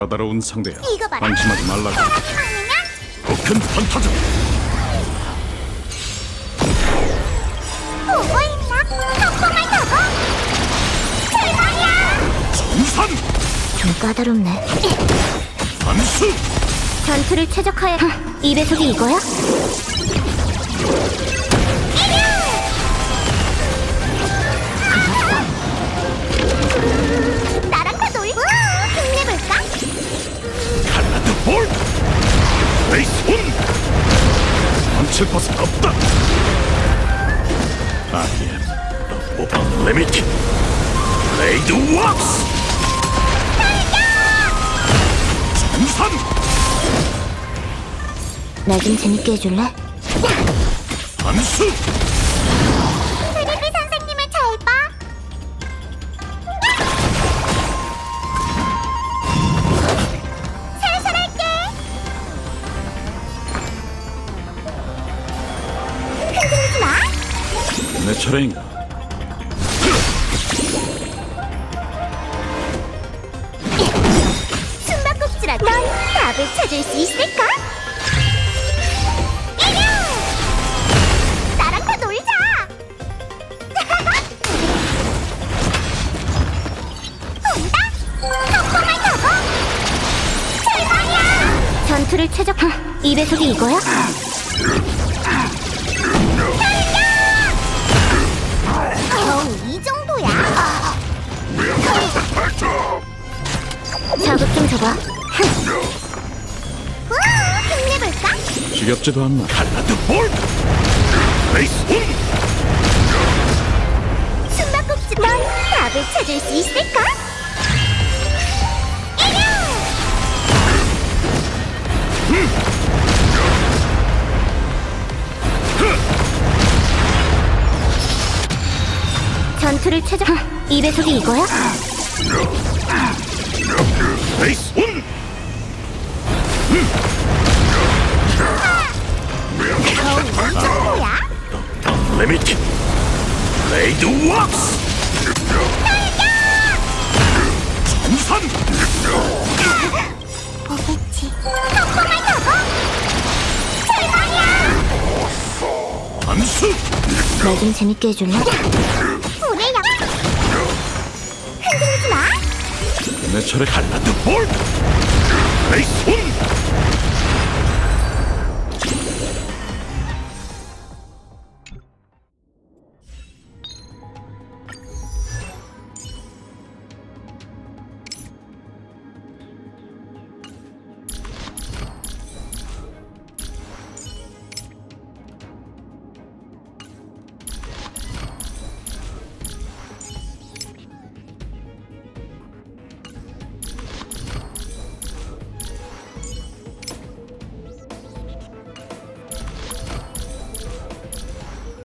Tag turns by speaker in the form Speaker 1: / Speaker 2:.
Speaker 1: 까다로운 상대야.
Speaker 2: 이거 봐라.
Speaker 1: 방심하지 말라고.
Speaker 2: 사람이 많으면
Speaker 1: 큰 판타지.
Speaker 2: 보고 있나? 성공을 타고 출발이야!
Speaker 1: 정산
Speaker 2: 좀 까다롭네.
Speaker 1: 반수.
Speaker 2: 전투를 최적화해. 이 배속이 이거야? 나랑 다 놀고 힘내볼까?
Speaker 1: 칼라드 볼. 레이스 온. 멈출 것은 없다. I am the unlimited. 블레이드 왁스. 정산.
Speaker 2: 나 좀 재밌게 해줄래?
Speaker 1: 반수.
Speaker 2: 트리비 선생님을 잘 봐. 살살할게. 흔들리지 마.
Speaker 1: 내 차례인가?
Speaker 2: 숨바꼭질하다. 넌 답을 찾을 수 있을까? 이겨! 나랑 다 놀자. 본다. 성공을 타고 출발이야. 전투를 최적화. 이 배속이 이거야? 겨우 이 정도야? 자극 좀 줘봐. 힘내볼까?
Speaker 1: 지겹지도 않나. 칼라드 볼. 레이스 온.
Speaker 2: 숨바꼭질. 넌 답을 찾을 수 있을까? 이겨! 전투를 최적화. 이 배속이 이거야?
Speaker 1: 레이스 온.
Speaker 2: 겨우 이 정도야?
Speaker 1: Unlimited. 블레이드 왁스. 정산.
Speaker 2: 보겠지. 성공을 타고 출발이야.
Speaker 1: 반수.
Speaker 2: 나 좀 재밌게 해줄래? 불의 양. 흔들리지 마.
Speaker 1: 내 차례. 칼라드 볼. 레이스 온.